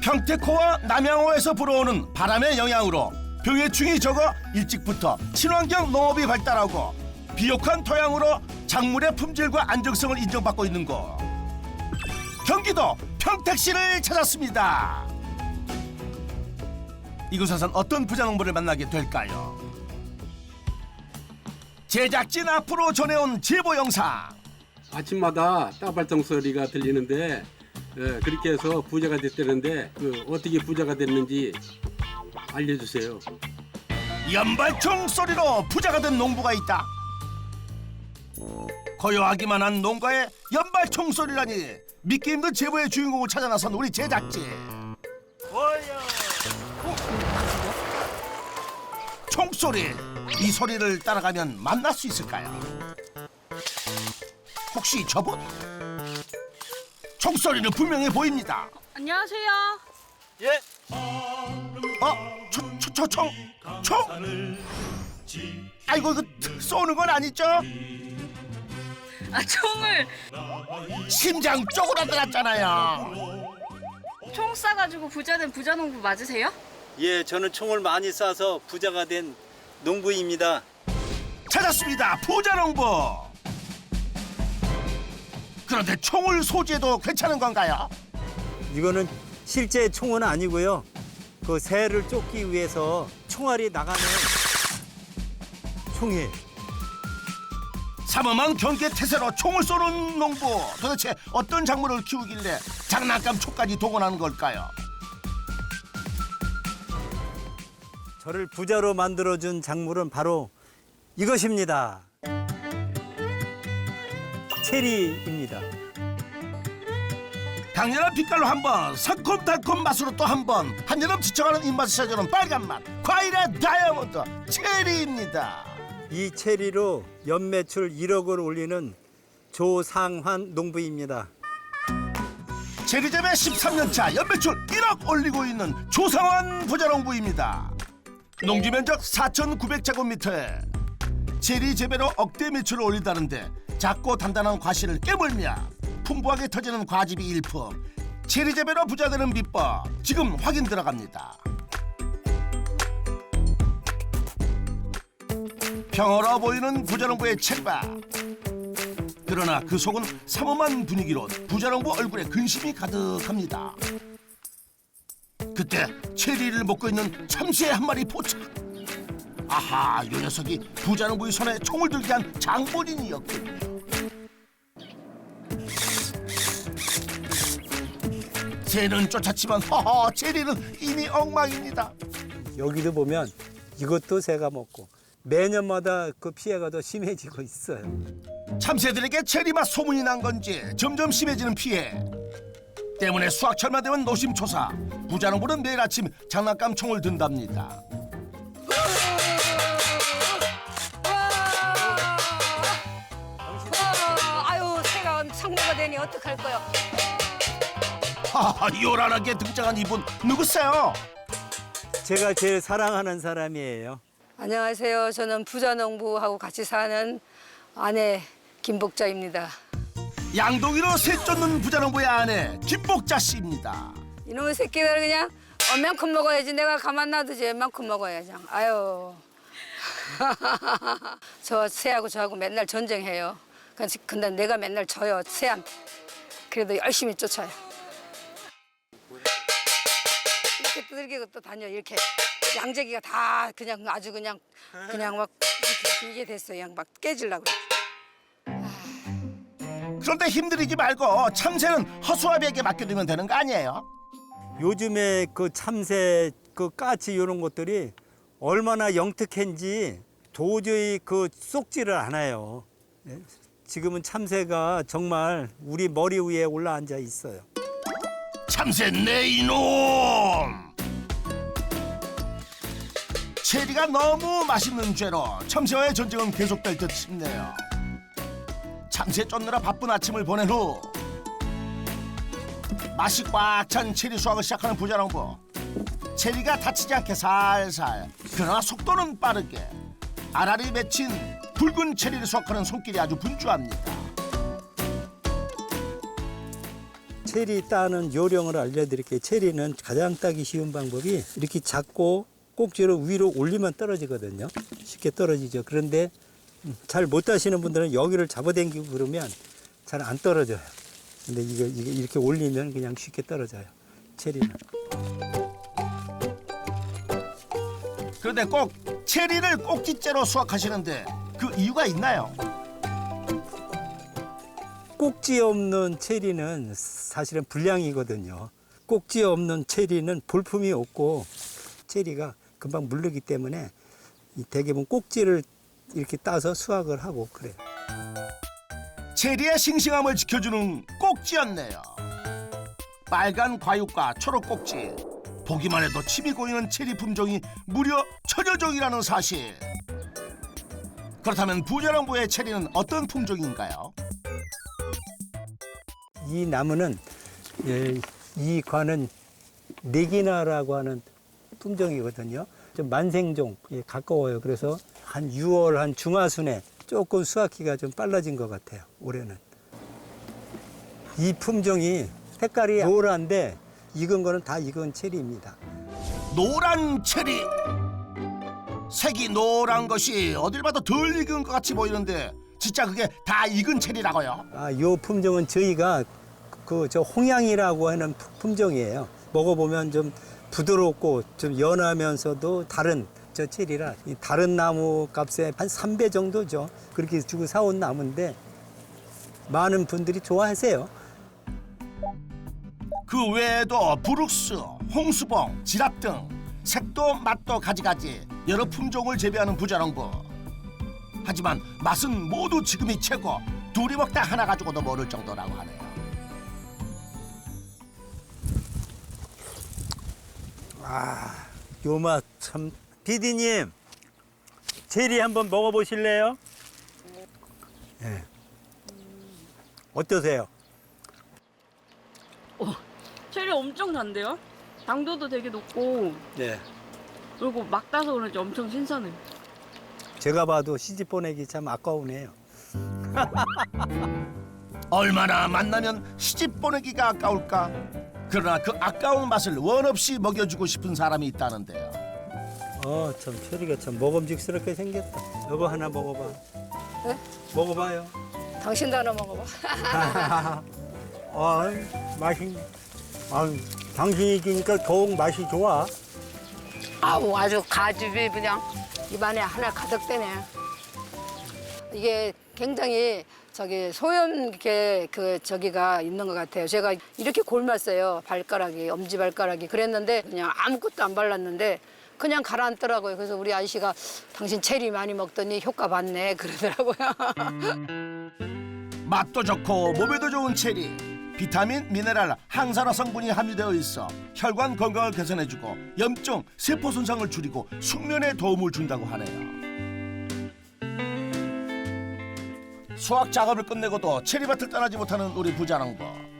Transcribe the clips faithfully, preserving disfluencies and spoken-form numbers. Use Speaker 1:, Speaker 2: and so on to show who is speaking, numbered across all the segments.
Speaker 1: 평택호와 남양호에서 불어오는 바람의 영향으로 병해충이 적어 일찍부터 친환경 농업이 발달하고 비옥한 토양으로 작물의 품질과 안정성을 인정받고 있는 곳. 경기도 평택시를 찾았습니다. 이곳에선 어떤 부자농부를 만나게 될까요? 제작진 앞으로 전해온 제보 영상.
Speaker 2: 아침마다 따발성 소리가 들리는데 예, 그렇게 해서 부자가 됐다는데 그 어떻게 부자가 됐는지 알려주세요.
Speaker 1: 연발총 소리로 부자가 된 농부가 있다. 고요하기만 한 농가에 연발총 소리라니 믿기 힘든 제보의 주인공을 찾아 나선 우리 제작진. 총소리, 이 소리를 따라가면 만날 수 있을까요? 혹시 저분? 총소리는 분명해 보입니다.
Speaker 3: 안녕하세요.
Speaker 1: 예? 어? 초, 초, 초, 총? 총? 아이고 이거 쏘는 건 아니죠?
Speaker 3: 아, 총을
Speaker 1: 심장 쪼그라들었잖아요.
Speaker 3: 총 쏴가지고 부자된 부자농부 맞으세요?
Speaker 4: 예, 저는 총을 많이 쏴서 부자가 된 농부입니다.
Speaker 1: 찾았습니다. 부자농부. 그런데 총을 소지해도 괜찮은 건가요?
Speaker 5: 이거는 실제 총은 아니고요. 그 새를 쫓기 위해서 총알이 나가는 총이에요.
Speaker 1: 삼엄한 경계 태세로 총을 쏘는 농부. 도대체 어떤 작물을 키우길래 장난감 총까지 동원하는 걸까요?
Speaker 5: 저를 부자로 만들어준 작물은 바로 이것입니다. 체리입니다.
Speaker 1: 강렬한 빛깔로 한 번, 새콤달콤 맛으로 또 한 번, 한여름 지쳐가는 입맛을 찾아오는 빨간 맛, 과일의 다이아몬드, 체리입니다.
Speaker 5: 이 체리로 연매출 일억을 올리는 조상환 농부입니다.
Speaker 1: 체리재배 십삼 년 차 연매출 일억 올리고 있는 조상환 부자농부입니다. 농지 면적 사천구백 제곱미터에 체리 재배로 억대 매출을 올린다는데 작고 단단한 과실을 깨물며 풍부하게 터지는 과즙이 일품. 체리 재배로 부자되는 비법 지금 확인 들어갑니다. 평화로워 보이는 부자농부의 체리밭. 그러나 그 속은 삼엄한 분위기로 부자농부 얼굴에 근심이 가득합니다. 그때 체리를 먹고 있는 참새 한 마리 포착. 아하, 이 녀석이 부자농부의 손에 총을 들게 한 장본인이었군요. 새는 쫓았지만 허허, 체리는 이미 엉망입니다.
Speaker 5: 여기도 보면 이것도 새가 먹고 매년마다 그 피해가 더 심해지고 있어요.
Speaker 1: 참새들에게 체리맛 소문이 난 건지 점점 심해지는 피해 때문에 수확철만 되면 노심초사. 부자농부는 매일 아침 장난감 총을 든답니다.
Speaker 6: 아유, 새가 상대가 되니 어떡할 거요?
Speaker 1: 하하, 요란하게 등장한 이분 누구세요?
Speaker 5: 제가 제일 사랑하는 사람이에요.
Speaker 6: 안녕하세요. 저는 부자농부하고 같이 사는 아내 김복자입니다.
Speaker 1: 양동이로 새 쫓는 부자농부의 아내 김복자 씨입니다.
Speaker 6: 이놈의 새끼들 그냥 얼만큼 먹어야지. 내가 가만 놔두지. 얼만큼 먹어야지. 아유. 저 새하고 저하고 맨날 전쟁해요. 근데 내가 맨날 져요, 새한테. 그래도 열심히 쫓아요. 이렇게 두들기고 또 다녀. 이렇게 양재기가 다 그냥 아주 그냥 그냥 막 이렇게 이게 됐어요. 그냥 막 깨질라고.
Speaker 1: 그런데 힘들이지 말고 참새는 허수아비에게 맡겨두면 되는 거 아니에요?
Speaker 5: 요즘에 그 참새, 그 까치 이런 것들이 얼마나 영특한지 도저히 그 쏙지를 않아요. 예? 지금은 참새가 정말 우리 머리 위에 올라앉아 있어요.
Speaker 1: 참새 내 이놈! 체리가 너무 맛있는 죄로 참새와의 전쟁은 계속될 듯 싶네요. 참새 쫓느라 바쁜 아침을 보낸 후 맛이 꽉 찬 체리 수확을 시작하는 부자농부. 체리가 다치지 않게 살살, 그러나 속도는 빠르게 알알이 맺힌 붉은 체리를 수확하는 손길이 아주 분주합니다.
Speaker 5: 체리 따는 요령을 알려드릴게요. 체리는 가장 따기 쉬운 방법이 이렇게 잡고 꼭지를 위로 올리면 떨어지거든요. 쉽게 떨어지죠. 그런데 잘 못 따시는 분들은 여기를 잡아당기고 그러면 잘 안 떨어져요. 근데 이거, 이거 이렇게 올리면 그냥 쉽게 떨어져요. 체리는.
Speaker 1: 그런데 꼭 체리를 꼭지째로 수확하시는데 그 이유가 있나요?
Speaker 5: 꼭지 없는 체리는 사실은 불량이거든요. 꼭지 없는 체리는 볼품이 없고 체리가 금방 물르기 때문에 이 대개는 꼭지를 이렇게 따서 수확을 하고 그래요.
Speaker 1: 체리의 싱싱함을 지켜주는 꼭지였네요. 빨간 과육과 초록 꼭지. 보기만 해도 침이 고이는 체리 품종이 무려 천여 종이라는 사실. 그렇다면 부자농부의 체리는 어떤 품종인가요?
Speaker 5: 이 나무는 예, 이 과는 네기나라고 하는 품종이거든요. 좀 만생종에 가까워요. 그래서 한 유월 한 중하순에 조금 수확기가 좀 빨라진 것 같아요. 올해는. 이 품종이 색깔이 노란데 익은 거는 다 익은 체리입니다.
Speaker 1: 노란 체리. 색이 노란 것이 어딜 봐도 덜 익은 것 같이 보이는데 진짜 그게 다 익은 체리라고요?
Speaker 5: 아, 요 품종은 저희가 그 저 홍양이라고 하는 품종이에요. 먹어보면 좀 부드럽고 좀 연하면서도 다른 저 체리라 이 다른 나무 값의 한 삼 배 정도죠. 그렇게 주고 사온 나무인데 많은 분들이 좋아하세요.
Speaker 1: 그 외에도 부룩스, 홍수봉, 지랍 등 색도 맛도 가지가지 여러 품종을 재배하는 부자농부. 하지만 맛은 모두 지금이 최고. 둘이 먹다 하나 가지고도 모를 정도라고 하네요.
Speaker 5: 아, 요 맛 참. 피디님, 체리 한번 먹어보실래요? 네. 어떠세요?
Speaker 3: 체리 엄청 단데요? 당도도 되게 높고
Speaker 5: 네.
Speaker 3: 그리고 막 따서 그런지 엄청 신선해요.
Speaker 5: 제가 봐도 시집 보내기 참 아까우네요.
Speaker 1: 얼마나 만나면 시집 보내기가 아까울까. 그러나 그 아까운 맛을 원 없이 먹여주고 싶은 사람이 있다는데요.
Speaker 5: 어, 참 체리가 참 먹음직스럽게 생겼다. 여보 하나 먹어봐.
Speaker 6: 네?
Speaker 5: 먹어봐요.
Speaker 6: 당신도 하나 먹어봐.
Speaker 5: 아, 맛이, 아, 당신이 주니까 더욱 맛이 좋아.
Speaker 6: 아우 아주 가집이 그냥 입안에 하나 가득 되네. 이게 굉장히 저기 소염 이렇게 그 저기가 있는 것 같아요. 제가 이렇게 골랐어요. 발가락이 엄지 발가락이 그랬는데 그냥 아무것도 안 발랐는데 그냥 가라앉더라고요. 그래서 우리 아저씨가 당신 체리 많이 먹더니 효과 봤네 그러더라고요.
Speaker 1: 맛도 좋고 몸에도 좋은 체리. 비타민, 미네랄, 항산화 성분이 함유되어 있어 혈관 건강을 개선해주고 염증, 세포 손상을 줄이고 숙면에 도움을 준다고 하네요. 수확 작업을 끝내고도 체리밭을 떠나지 못하는 우리 부자농부.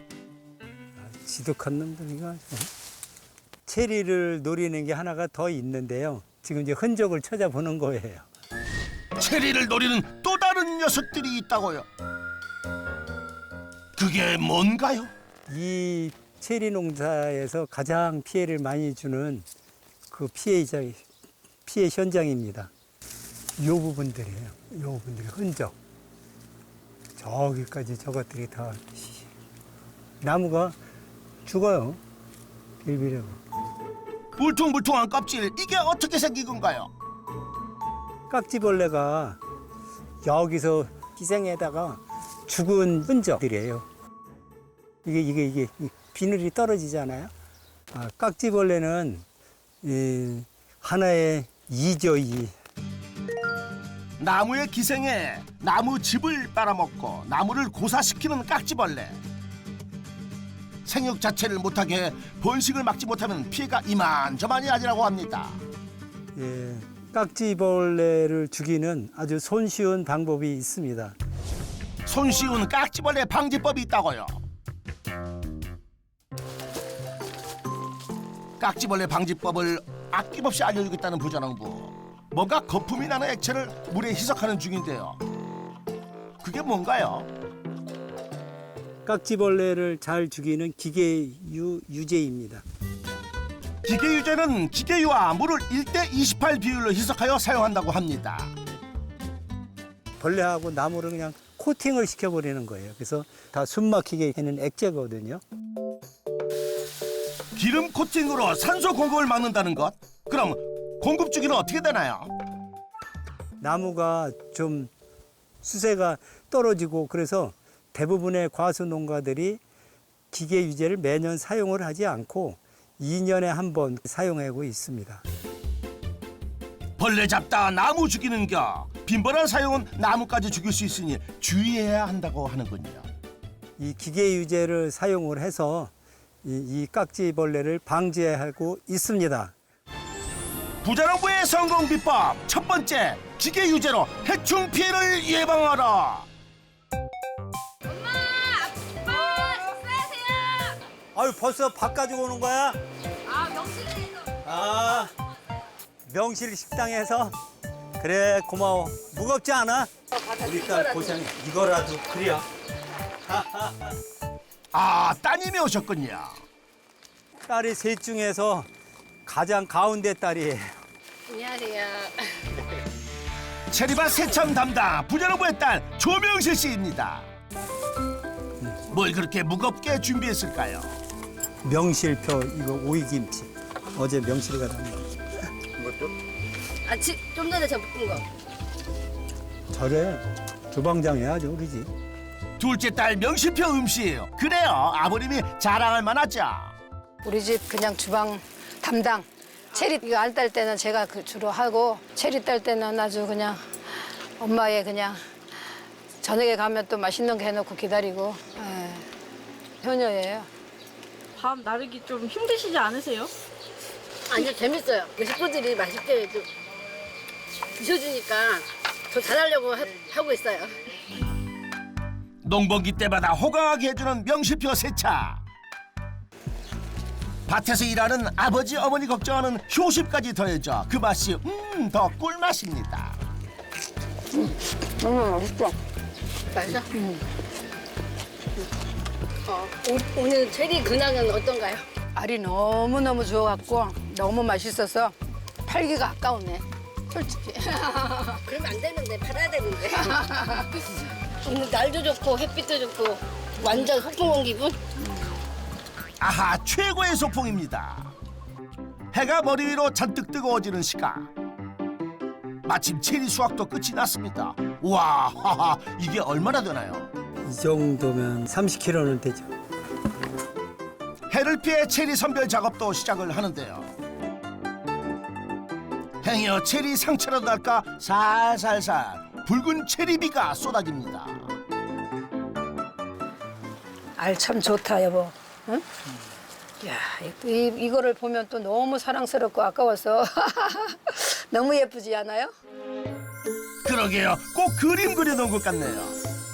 Speaker 5: 지독한 놈들이가. 체리를 노리는 게 하나가 더 있는데요. 지금 이제 흔적을 찾아보는 거예요.
Speaker 1: 체리를 노리는 또 다른 녀석들이 있다고요. 그게 뭔가요?
Speaker 5: 이 체리 농사에서 가장 피해를 많이 주는 그 피해자, 피해 현장입니다. 이 부분들이에요. 이 부분들이 흔적. 저기까지 저것들이 다 나무가 죽어요. 빌비려고.
Speaker 1: 울퉁불퉁한 껍질, 이게 어떻게 생긴 건가요?
Speaker 5: 깍지벌레가 여기서 기생에다가 죽은 흔적들이에요. 이게 이게 이게 비늘이 떨어지잖아요. 아, 깍지벌레는 이 하나의 이죠 이.
Speaker 1: 나무의 기생에 나무 즙을 빨아먹고 나무를 고사시키는 깍지벌레. 생육 자체를 못하게 번식을 막지 못하면 피해가 이만저만이 아니라고 합니다.
Speaker 5: 예, 깍지벌레를 죽이는 아주 손쉬운 방법이 있습니다.
Speaker 1: 손쉬운 깍지벌레 방지법이 있다고요. 깍지벌레 방지법을 아낌없이 알려주겠다는 부자농부. 뭔가 거품이 나는 액체를 물에 희석하는 중인데요. 그게 뭔가요?
Speaker 5: 깍지벌레를 잘 죽이는 기계유 유제입니다.
Speaker 1: 기계유제는 기계유와 물을 일 대 이십팔 비율로 희석하여 사용한다고 합니다.
Speaker 5: 벌레하고 나무를 그냥 코팅을 시켜버리는 거예요. 그래서 다 숨막히게 하는 액체거든요.
Speaker 1: 기름 코팅으로 산소 공급을 막는다는 것? 그럼 공급 주기는 어떻게 되나요?
Speaker 5: 나무가 좀 수세가 떨어지고 그래서 대부분의 과수 농가들이 기계 유제를 매년 사용을 하지 않고 이 년에 한 번 사용하고 있습니다.
Speaker 1: 벌레 잡다 나무 죽이는겨 빈번한 사용은 나무까지 죽일 수 있으니 주의해야 한다고 하는군요.
Speaker 5: 이 기계 유제를 사용을 해서 이, 이 깍지벌레를 방지하고 있습니다.
Speaker 1: 부자농부의 성공 비법 첫 번째, 기계 유제로 해충 피해를 예방하라.
Speaker 5: 아유 벌써 밥 가지고 오는 거야?
Speaker 3: 아, 명실에서.
Speaker 5: 아 명실 식당에서 그래 고마워. 무겁지 않아? 우리 딸 고생해. 이거라도 그래야.
Speaker 1: 아, 따님이 오셨군요.
Speaker 5: 딸이 셋 중에서 가장 가운데 딸이에요.
Speaker 6: 안녕하세요.
Speaker 1: 체리밭 세참 담당 부자농부의 딸 조명실 씨입니다. 뭘 그렇게 무겁게 준비했을까요?
Speaker 5: 명실표 이거 오이김치. 어제 명실이가 담은 거.
Speaker 6: 아, 지, 좀 전에 저 볶은 거.
Speaker 5: 저래 주방장 해야죠 우리 집.
Speaker 1: 둘째 딸 명실표 음식. 그래요, 아버님이 자랑할 만하죠.
Speaker 6: 우리 집 그냥 주방 담당. 체리 이거 알 딸 때는 제가 그 주로 하고 체리 딸 때는 아주 그냥 엄마의 그냥 저녁에 가면 또 맛있는 거 해놓고 기다리고 에, 효녀예요.
Speaker 3: 밥 나르기 좀 힘드시지 않으세요?
Speaker 7: 아니요, 재밌어요. 그 식구들이 맛있게 좀 드셔주니까 더 잘하려고 하, 하고 있어요.
Speaker 1: 농번기 때마다 호강하게 해주는 명실표 세차. 밭에서 일하는 아버지 어머니 걱정하는 효심까지 더해져 그 맛이 음, 더 꿀맛입니다.
Speaker 6: 음, 맛있어.
Speaker 7: 맛있어? 음. 어, 오, 오늘 체리 근황은 어떤가요?
Speaker 6: 알이 너무너무 좋아갖고 너무 맛있어서 팔기가 아까우네. 솔직히.
Speaker 7: 그러면 안 되는데, 팔아야 되는데. 오늘 날도 좋고 햇빛도 좋고 완전 소풍 온 기분?
Speaker 1: 아하, 최고의 소풍입니다. 해가 머리 위로 잔뜩 뜨거워지는 시각. 마침 체리 수확도 끝이 났습니다. 우와, 하하, 이게 얼마나 되나요?
Speaker 5: 이 정도면 삼십 킬로그램는 되죠.
Speaker 1: 해를 피해 체리 선별 작업도 시작을 하는데요. 행여 체리 상처라도 날까 살살살 붉은 체리비가 쏟아집니다.
Speaker 6: 알 참 좋다 여보. 응? 야, 이, 이거를 보면 또 너무 사랑스럽고 아까워서 너무 예쁘지 않아요?
Speaker 1: 그러게요, 꼭 그림 그려놓은 것 같네요.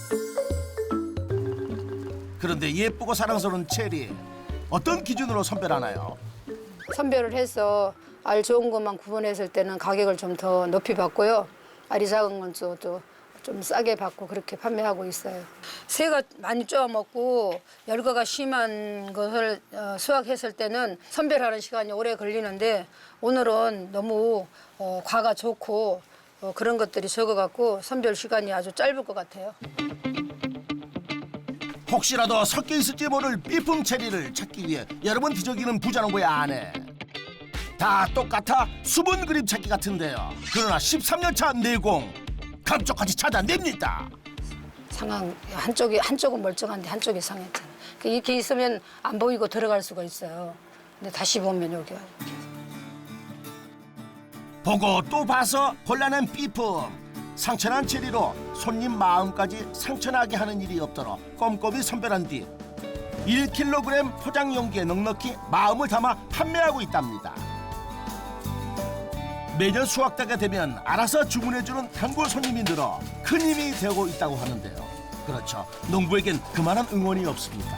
Speaker 1: 그런데 예쁘고 사랑스러운 체리, 어떤 기준으로 선별하나요?
Speaker 6: 선별을 해서 알 좋은 것만 구분했을 때는 가격을 좀 더 높이 받고요. 알이 작은 건 또 좀 싸게 받고 그렇게 판매하고 있어요. 새가 많이 쪼아 먹고 열과가 심한 것을 어, 수확했을 때는 선별하는 시간이 오래 걸리는데 오늘은 너무 어, 과가 좋고 어, 그런 것들이 적어갖고 선별 시간이 아주 짧을 것 같아요.
Speaker 1: 혹시라도 섞여 있을지 모를 삐품 체리를 찾기 위해 여러 번 뒤적이는 부자농부의 아내. 다 똑같아 수분 그림 찾기 같은데요. 그러나 십삼 년 차 내공 감쪽같이 찾아냅니다.
Speaker 6: 상황 한쪽이 한쪽은 멀쩡한데 한쪽이 상했잖아. 이렇게 있으면 안 보이고 들어갈 수가 있어요. 근데 다시 보면 여기가
Speaker 1: 보고 또 봐서 곤란한 삐품. 상처난 체리로 손님 마음까지 상처나게 하는 일이 없도록 꼼꼼히 선별한 뒤 일 킬로그램 포장 용기에 넉넉히 마음을 담아 판매하고 있답니다. 매년 수확대가 되면 알아서 주문해주는 단골 손님이 늘어 큰 힘이 되고 있다고 하는데요. 그렇죠, 농부에겐 그만한 응원이 없습니다.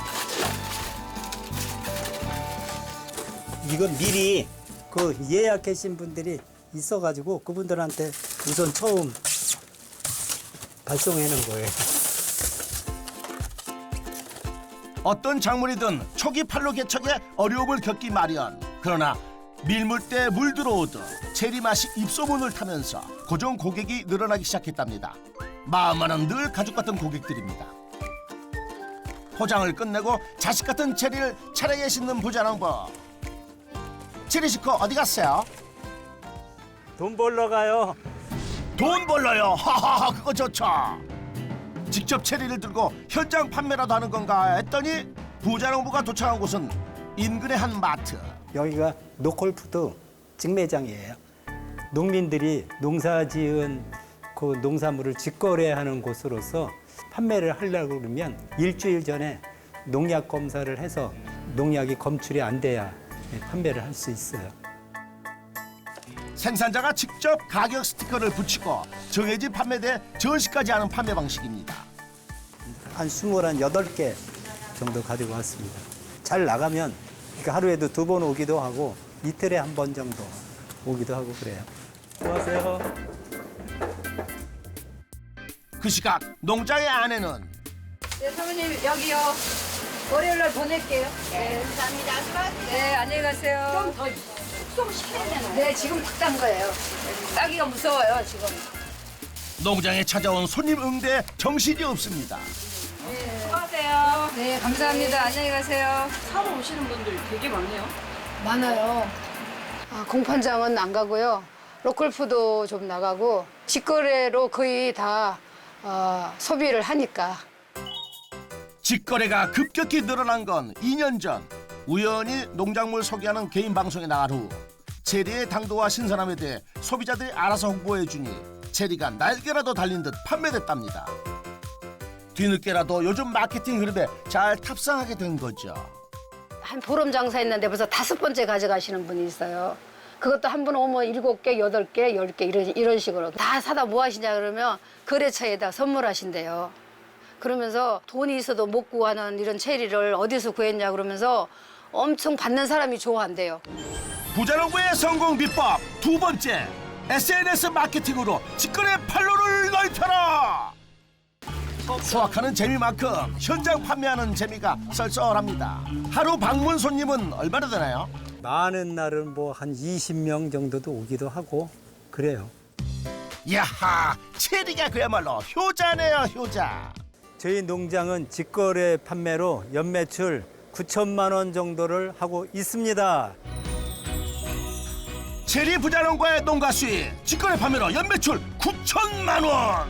Speaker 5: 이건 미리 그 예약하신 분들이 있어가지고 그분들한테 우선 처음 발송해 놓은 거예요.
Speaker 1: 어떤 작물이든 초기 판로 개척에 어려움을 겪기 마련. 그러나 밀물때 물 들어오듯 체리 맛이 입소문을 타면서 고정 고객이 늘어나기 시작했답니다. 마음만은 늘 가족 같은 고객들입니다. 포장을 끝내고 자식 같은 체리를 차례에 싣는 부자농부. 체리 식구 어디 갔어요?
Speaker 5: 돈 벌러 가요.
Speaker 1: 돈 벌러요. 하하하, 그거 좋죠. 직접 체리를 들고 현장 판매라도 하는 건가 했더니 부자농부가 도착한 곳은 인근의 한 마트.
Speaker 5: 여기가 노콜푸드 직매장이에요. 농민들이 농사지은 그 농산물을 직거래하는 곳으로서 판매를 하려고 그러면 일주일 전에 농약 검사를 해서 농약이 검출이 안 돼야 판매를 할 수 있어요.
Speaker 1: 생산자가 직접 가격 스티커를 붙이고 정해진 판매대에 전시까지 하는 판매 방식입니다.
Speaker 5: 한 스물여덟 개 정도 가지고 왔습니다. 잘 나가면 그러니까 하루에도 두 번 오기도 하고 이틀에 한 번 정도 오기도 하고 그래요. 안녕하세요.
Speaker 1: 그 시각 농장의 아내는
Speaker 6: 네, 사모님 여기요. 월요일 날 보낼게요. 네, 감사합니다. 네, 안녕히 가세요. 좀 더 숙성시켜야 되나요? 네, 지금 딱 딴 거예요. 따기가 무서워요, 지금.
Speaker 1: 농장에 찾아온 손님 응대에 정신이 없습니다.
Speaker 3: 수고하세요.
Speaker 6: 네, 감사합니다. 안녕히 가세요.
Speaker 3: 사러 오시는 분들 되게 많네요.
Speaker 6: 많아요. 아, 공판장은 안 가고요. 로컬푸드 좀 나가고 직거래로 거의 다 어, 소비를 하니까.
Speaker 1: 직거래가 급격히 늘어난 건 이 년 전. 우연히 농작물 소개하는 개인 방송에 나간 후 체리의 당도와 신선함에 대해 소비자들이 알아서 홍보해주니 체리가 날개라도 달린 듯 판매됐답니다. 뒤늦게라도 요즘 마케팅 흐름에 잘 탑승하게 된 거죠.
Speaker 6: 한 보름 장사했는데 벌써 다섯 번째 가져가시는 분이 있어요. 그것도 한 분 오면 일곱 개, 여덟 개, 열 개 이런, 이런 식으로 다 사다 뭐 하시냐 그러면 거래처에다 선물하신대요. 그러면서 돈이 있어도 못 구하는 이런 체리를 어디서 구했냐 그러면서 엄청 받는 사람이 좋아한대요.
Speaker 1: 부자농부의 성공 비법 두 번째, 에스엔에스 마케팅으로 직거래 판로를 넓혀라. 수확하는 재미만큼 현장 판매하는 재미가 썰썰합니다. 하루 방문 손님은 얼마나 되나요?
Speaker 5: 많은 날은 뭐 한 이십 명 정도도 오기도 하고 그래요.
Speaker 1: 야하, 체리가 그야말로 효자네요, 효자.
Speaker 5: 저희 농장은 직거래 판매로 연매출 구천만 원 정도를 하고 있습니다.
Speaker 1: 체리 부자농부의 농가 수익 직거래 판매로 연매출 구천만 원.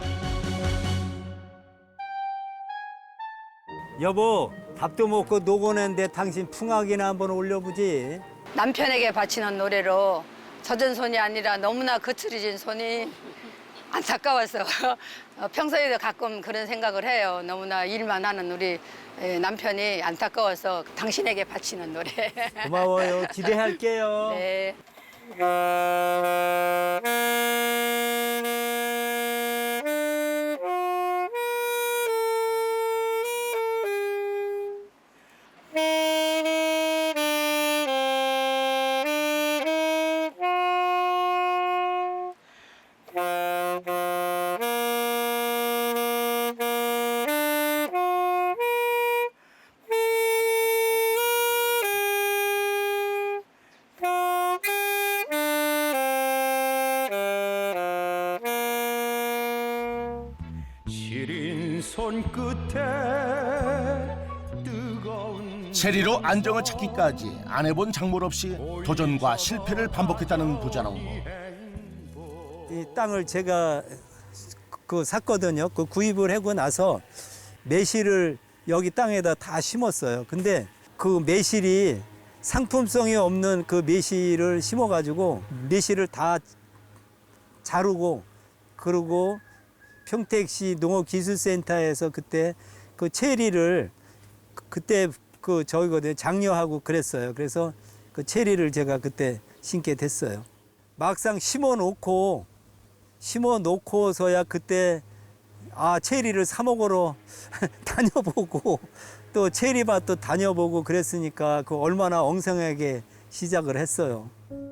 Speaker 5: 여보, 밥도 먹고 노고는데 당신 풍악이나 한번 올려보지.
Speaker 6: 남편에게 바치는 노래로 젖은 손이 아니라 너무나 거칠어진 손이 안타까워서 어, 평소에도 가끔 그런 생각을 해요. 너무나 일만 하는 우리 에, 남편이 안타까워서 당신에게 바치는 노래.
Speaker 5: 고마워요. 기대할게요.
Speaker 6: 네.
Speaker 1: 체리로 안정을 찾기까지 안 해본 작물 없이 도전과 실패를 반복했다는 부자농부.
Speaker 5: 이 땅을 제가 그 샀거든요. 그 구입을 하고 나서 매실을 여기 땅에다 다 심었어요. 근데 그 매실이 상품성이 없는 그 매실을 심어가지고 매실을 다 자르고 그러고 평택시 농업기술센터에서 그때 그 체리를 그때 그 저기거든요. 장려하고 그랬어요. 그래서 그 체리를 제가 그때 심게 됐어요. 막상 심어 놓고 심어 놓고서야 그때 아 체리를 사 먹으러 다녀보고 또 체리밭도 다녀보고 그랬으니까 그 얼마나 엉성하게 시작을 했어요.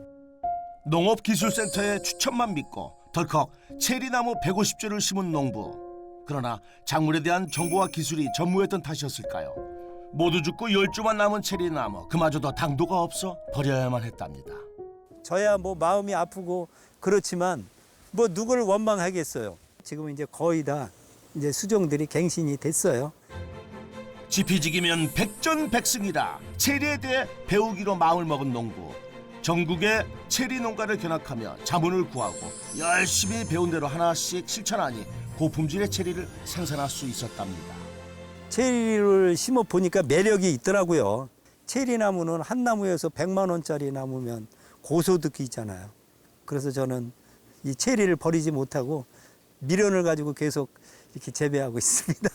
Speaker 1: 농업기술센터의 추천만 믿고 덜컥 체리나무 백오십 주를 심은 농부. 그러나 작물에 대한 정보와 기술이 전무했던 탓이었을까요? 모두 죽고 열 주만 남은 체리나무, 그마저도 당도가 없어 버려야만 했답니다.
Speaker 5: 저야 뭐 마음이 아프고 그렇지만 뭐 누구를 원망하겠어요. 지금 이제 거의 다 이제 수종들이 갱신이 됐어요.
Speaker 1: 지피지기면 백전백승이라 체리에 대해 배우기로 마음을 먹은 농부. 전국의 체리 농가를 견학하며 자문을 구하고 열심히 배운 대로 하나씩 실천하니 고품질의 체리를 생산할 수 있었답니다.
Speaker 5: 체리를 심어 보니까 매력이 있더라고요. 체리 나무는 한 나무에서 백만 원짜리 나무면 고소득이잖아요. 그래서 저는 이 체리를 버리지 못하고 미련을 가지고 계속 이렇게 재배하고 있습니다.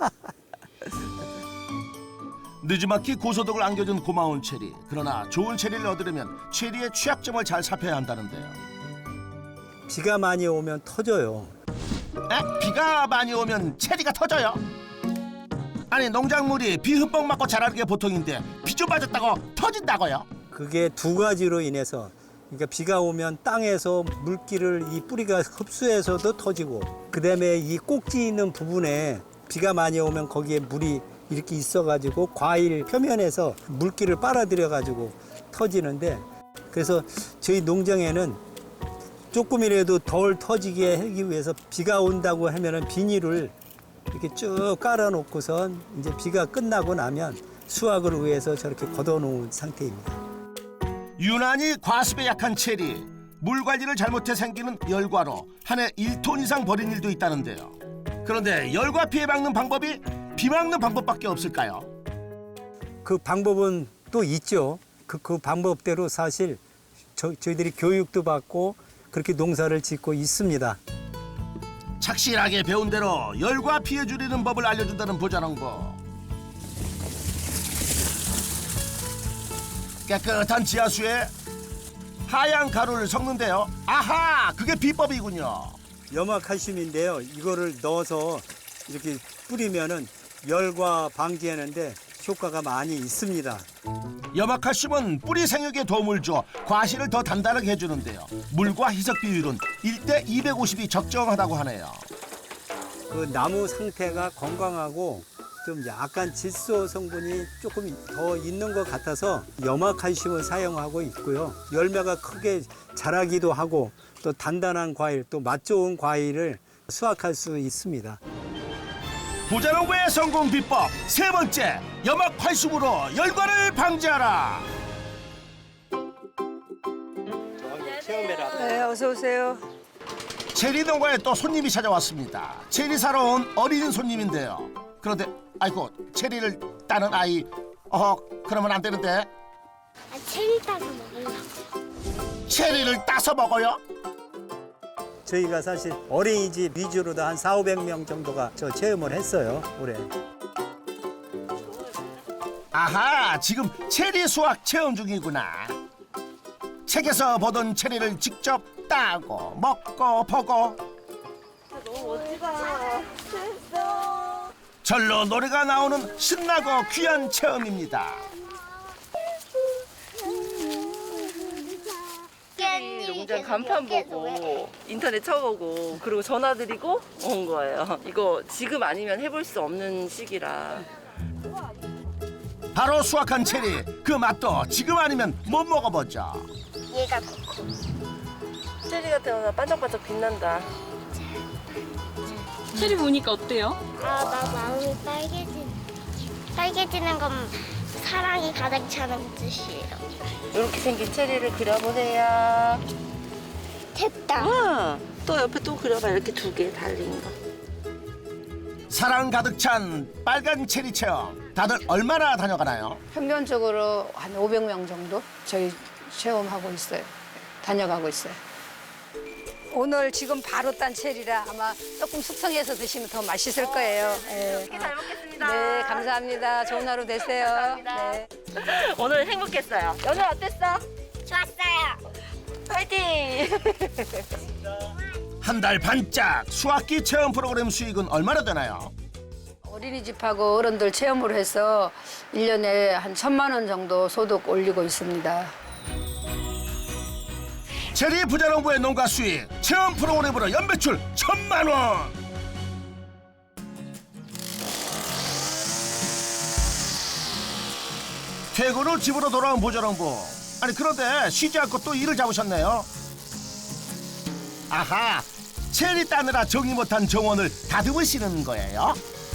Speaker 1: 늦지막히 고소득을 안겨준 고마운 체리. 그러나 좋은 체리를 얻으려면 체리의 취약점을 잘 살펴야 한다는데요.
Speaker 5: 비가 많이 오면 터져요.
Speaker 1: 에? 비가 많이 오면 체리가 터져요? 아니 농작물이 비 흠뻑 맞고 자라는 게 보통인데 비 좀 맞았다고 터진다고요?
Speaker 5: 그게 두 가지로 인해서, 그러니까 비가 오면 땅에서 물기를 이 뿌리가 흡수해서도 터지고, 그다음에 이 꼭지 있는 부분에 비가 많이 오면 거기에 물이 이렇게 있어가지고 과일 표면에서 물기를 빨아들여가지고 터지는데, 그래서 저희 농장에는 조금이라도 덜 터지게 하기 위해서 비가 온다고 하면은 비닐을 이렇게 쭉 깔아놓고선 이제 비가 끝나고 나면 수확을 위해서 저렇게 걷어놓은 상태입니다.
Speaker 1: 유난히 과습에 약한 체리. 물 관리를 잘못해 생기는 열과로 한 해 일 톤 이상 버린 일도 있다는데요. 그런데 열과 피해 막는 방법이 비 막는 방법밖에 없을까요?
Speaker 5: 그 방법은 또 있죠. 그, 그 방법대로 사실 저, 저희들이 교육도 받고 그렇게 농사를 짓고 있습니다.
Speaker 1: 착실하게 배운 대로 열과 피해 줄이는 법을 알려준다는 부자농부. 깨끗한 지하수에 하얀 가루를 섞는데요. 아하, 그게 비법이군요.
Speaker 5: 염화칼슘인데요. 이거를 넣어서 이렇게 뿌리면은 열과 방지하는데 효과가 많이 있습니다.
Speaker 1: 염화칼슘은 뿌리 생육에 도움을 줘 과실을 더 단단하게 해주는데요. 물과 희석 비율은 일 대 이백오십이 적정하다고 하네요.
Speaker 5: 그 나무 상태가 건강하고 좀 약간 질소 성분이 조금 더 있는 것 같아서 염화칼슘을 사용하고 있고요. 열매가 크게 자라기도 하고 또 단단한 과일, 또 맛 좋은 과일을 수확할 수 있습니다.
Speaker 1: 부자농부의 성공 비법 세 번째, 염화칼슘으로 열과를 방지하라.
Speaker 8: 네, 어서 오세요.
Speaker 1: 체리 농가에 또 손님이 찾아왔습니다. 체리 사러 온 어린 손님인데요. 그런데 아이고, 체리를 따는 아이. 어 그러면 안 되는데.
Speaker 9: 아, 체리 따서 먹으려고요.
Speaker 1: 체리를 따서 먹어요?
Speaker 5: 저희가 사실 어린이집 위주로도 한 사오백 명 정도가 저 체험을 했어요, 올해.
Speaker 1: 아하, 지금 체리 수확 체험 중이구나. 책에서 보던 체리를 직접 따고 먹고 보고.
Speaker 8: 너무 멋지다. 됐어.
Speaker 1: 절로 노래가 나오는 신나고 귀한 체험입니다.
Speaker 8: 농장 간판 보고 인터넷 쳐보고 그리고 전화 드리고 온 거예요. 이거 지금 아니면 해볼 수 없는 시기라.
Speaker 1: 바로 수확한 체리, 그 맛도 지금 아니면 못 먹어보죠.
Speaker 9: 얘가 코코.
Speaker 8: 체리 같은 거나 반짝반짝 빛난다.
Speaker 3: 체리 보니까 어때요?
Speaker 9: 아, 나 마음이 빨개진. 빨개지는 건 사랑이 가득 차는 뜻이에요.
Speaker 8: 이렇게 생긴 체리를 그려보세요.
Speaker 9: 됐다.
Speaker 8: 아, 또 옆에 또 그려봐. 이렇게 두 개 달린 거.
Speaker 1: 사랑 가득 찬 빨간 체리 체험. 다들 얼마나 다녀가나요?
Speaker 6: 평균적으로 한 오백 명 정도 저희 체험하고 있어요. 다녀가고 있어요. 오늘 지금 바로 딴 체리라 아마 조금 숙성해서 드시면 더 맛있을 거예요. 네.
Speaker 8: 잘 먹겠습니다.
Speaker 6: 네, 감사합니다. 좋은 하루 되세요.
Speaker 8: 감사합니다.
Speaker 6: 네.
Speaker 8: 오늘 행복했어요. 오늘 어땠어?
Speaker 9: 좋았어요.
Speaker 8: 파이팅!
Speaker 1: 한 달 반짝 수학기 체험 프로그램 수익은 얼마나 되나요?
Speaker 6: 어린이집하고 어른들 체험으로 해서 일 년에 한 천만 원 정도 소득 올리고 있습니다.
Speaker 1: 체리 부자농부의 농가 수익 체험 프로그램으로 연매출 천만 원. 퇴근 후 집으로 돌아온 부자농부. 아니 그런데 쉬지 않고 또 일을 잡으셨네요. 아하, 체리 따느라 정리 못한 정원을 다듬으시는 거예요?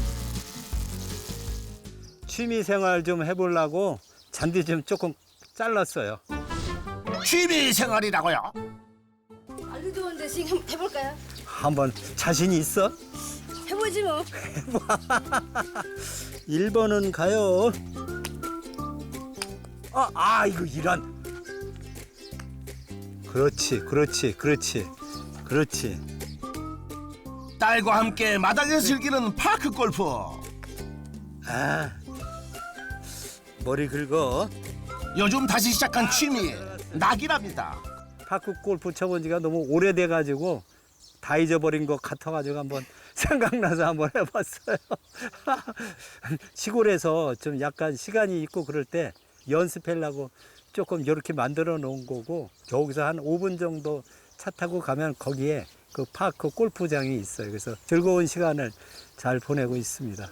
Speaker 5: 취미 생활 좀 해보려고 잔디 좀 조금 잘랐어요.
Speaker 1: 취미 생활이라고요?
Speaker 7: 알도 좋은데 지금 해볼까요?
Speaker 5: 한번 자신이 있어?
Speaker 7: 해보지 뭐.
Speaker 5: 일 번은 가요. 아, 아 이거 이런. 그렇지, 그렇지, 그렇지, 그렇지.
Speaker 1: 딸과 함께 마당에서 즐기는 파크 골프.
Speaker 5: 아, 머리 긁어.
Speaker 1: 요즘 다시 시작한 취미 낙이랍니다.
Speaker 5: 파크 골프 쳐본 지가 너무 오래돼가지고 다 잊어버린 것 같아가지고 한번 생각나서 한번 해봤어요. 시골에서 좀 약간 시간이 있고 그럴 때 연습하려고 조금 이렇게 만들어 놓은 거고, 여기서 한 오 분 정도 차 타고 가면 거기에 그 파크 골프장이 있어요. 그래서 즐거운 시간을 잘 보내고 있습니다.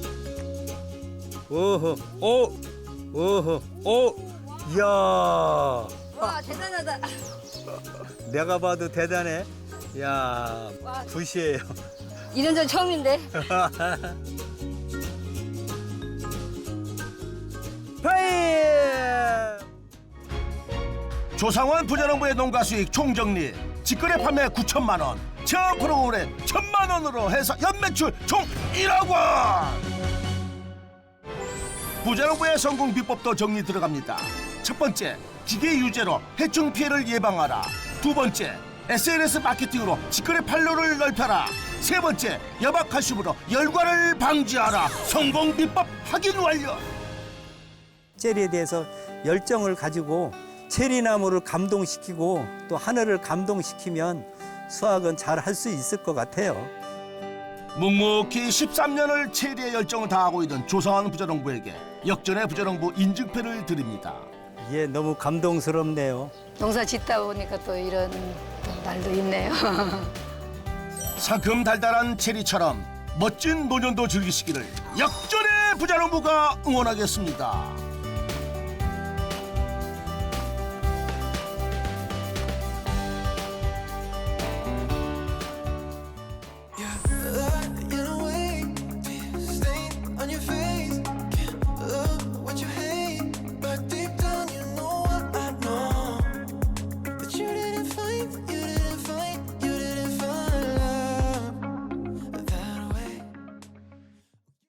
Speaker 5: 오호, 오, 오호, 오, 이야.
Speaker 7: 와 대단하다.
Speaker 5: 내가 봐도 대단해. 야, 굿이에요.
Speaker 7: 이런 적 처음인데.
Speaker 5: 파이!
Speaker 1: 조상원 부자농부의 농가 수익 총정리. 직거래 판매 구천만 원, 체험 프로그램 천만 원으로 해서 연매출 총 일억 원. 부자농부의 성공 비법도 정리 들어갑니다. 첫 번째, 기계 유제로 해충 피해를 예방하라. 두 번째, 에스엔에스 마케팅으로 직거래 판로를 넓혀라. 세 번째, 여박칼슘으로 열과를 방지하라. 성공 비법 확인 완료.
Speaker 5: 체리에 대해서 열정을 가지고 체리나무를 감동시키고 또 하늘을 감동시키면 수확은 잘 할 수 있을 것 같아요.
Speaker 1: 묵묵히 십삼 년을 체리에 열정을 다하고 있는 조상원 부자농부에게 역전의 부자농부 인증패를 드립니다.
Speaker 5: 예, 너무 감동스럽네요.
Speaker 6: 농사 짓다 보니까 또 이런 또 날도 있네요.
Speaker 1: 상큼 달달한 체리처럼 멋진 노년도 즐기시기를 역전의 부자농부가 응원하겠습니다.